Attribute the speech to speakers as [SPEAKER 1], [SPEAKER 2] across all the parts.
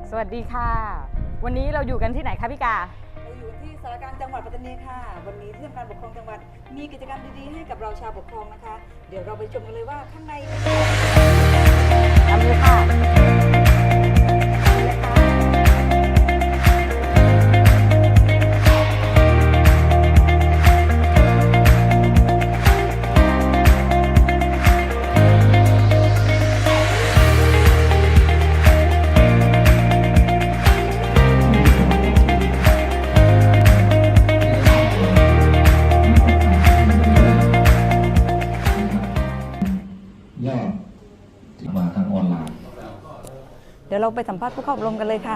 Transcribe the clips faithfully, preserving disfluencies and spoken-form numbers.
[SPEAKER 1] สวัสดีค่ะวันนี้เราอยู่กันที่ไหนคะพี่กา
[SPEAKER 2] เราอยู่ที่สารกลางจังหวัดปัตตานีค่ะวันนี้ที่ทำการปกครองจังหวัดมีกิจกรรมดีๆให้กับเราชาวปกครองนะคะเดี๋ยวเราไปชมกันเลยว่าข้างใน
[SPEAKER 1] ทำเลยค่ะ
[SPEAKER 3] ยอดมาทางออนไลน์
[SPEAKER 1] เดี๋ยวเราไปสัมภาษณ์ผู้เข้าอบรมกันเลยค่ะ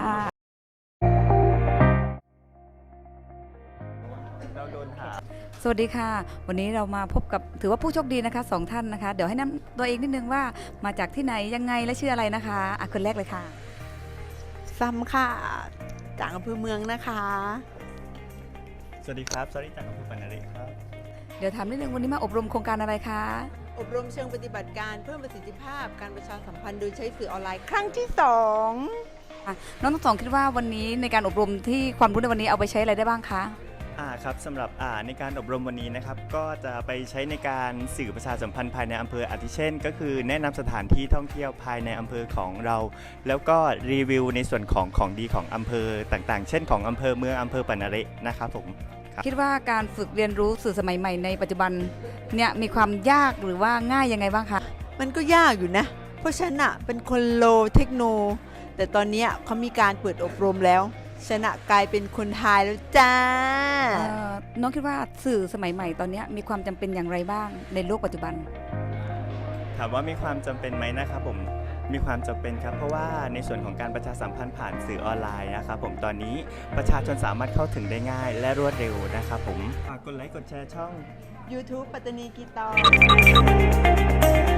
[SPEAKER 1] สวัสดีค่ะวันนี้เรามาพบกับถือว่าผู้โชคดีนะคะสองท่านนะคะเดี๋ยวให้นำตัวเองนิดนึงว่ามาจากที่ไหนยังไงและชื่ออะไรนะคะอ่ะคนแรกเลยค่ะ
[SPEAKER 4] ซัมค่ะจากอำเภอเมืองนะคะ
[SPEAKER 5] สวัสดีครับสวัสดีจากอำเภอปานาริครับ
[SPEAKER 1] เดี๋ยวถามนิดนึงวันนี้มาอบรมโครงการอะไรคะ
[SPEAKER 4] อบรมเชิงปฏิบัติการเพิ่มประสิทธิภาพการประชาสัมพันธ์โดยใช้สื่อออนไลน์ครั้งที่สอง
[SPEAKER 1] น้องทั้งสองคิดว่าวันนี้ในการอบรมที่ความรู้ในวันนี้เอาไปใช้อะไรได้บ้างคะ
[SPEAKER 5] อ่าครับสำหรับอ่าในการอบรมวันนี้นะครับก็จะไปใช้ในการสื่อประชาสัมพันธ์ภายในอำเภออาทิเช่นก็คือแนะนำสถานที่ท่องเที่ยวภายในอำเภอของเราแล้วก็รีวิวในส่วนของของดีของอำเภอต่างๆเช่นของอำเภอเมืองอำเภอปานารินะครับผม
[SPEAKER 1] คิดว่าการฝึกเรียนรู้สื่อสมัยใหม่ในปัจจุบันเนี่ยมีความยากหรือว่าง่ายยังไงบ้างคะ
[SPEAKER 4] มันก็ยากอยู่นะเพราะฉันอะเป็นคนโลเทคโนแต่ตอนนี้เขามีการเปิดอบรมแล้วฉันอะกลายเป็นคนไทยแล้วจ้า
[SPEAKER 1] น้องคิดว่าสื่อสมัยใหม่ตอนนี้มีความจำเป็นอย่างไรบ้างในโลกปัจจุบัน
[SPEAKER 5] ถามว่ามีความจำเป็นไหมนะครับผมมีความจำเป็นครับเพราะว่าในส่วนของการประชาสัมพันธ์ผ่านสื่อออนไลน์นะครับผมตอนนี้ประชาชนสามารถเข้าถึงได้ง่ายและรวดเร็วนะครับผมฝากกดไลค์กดแชร์ช่อง
[SPEAKER 4] YouTube ปัตตานีกีตาร์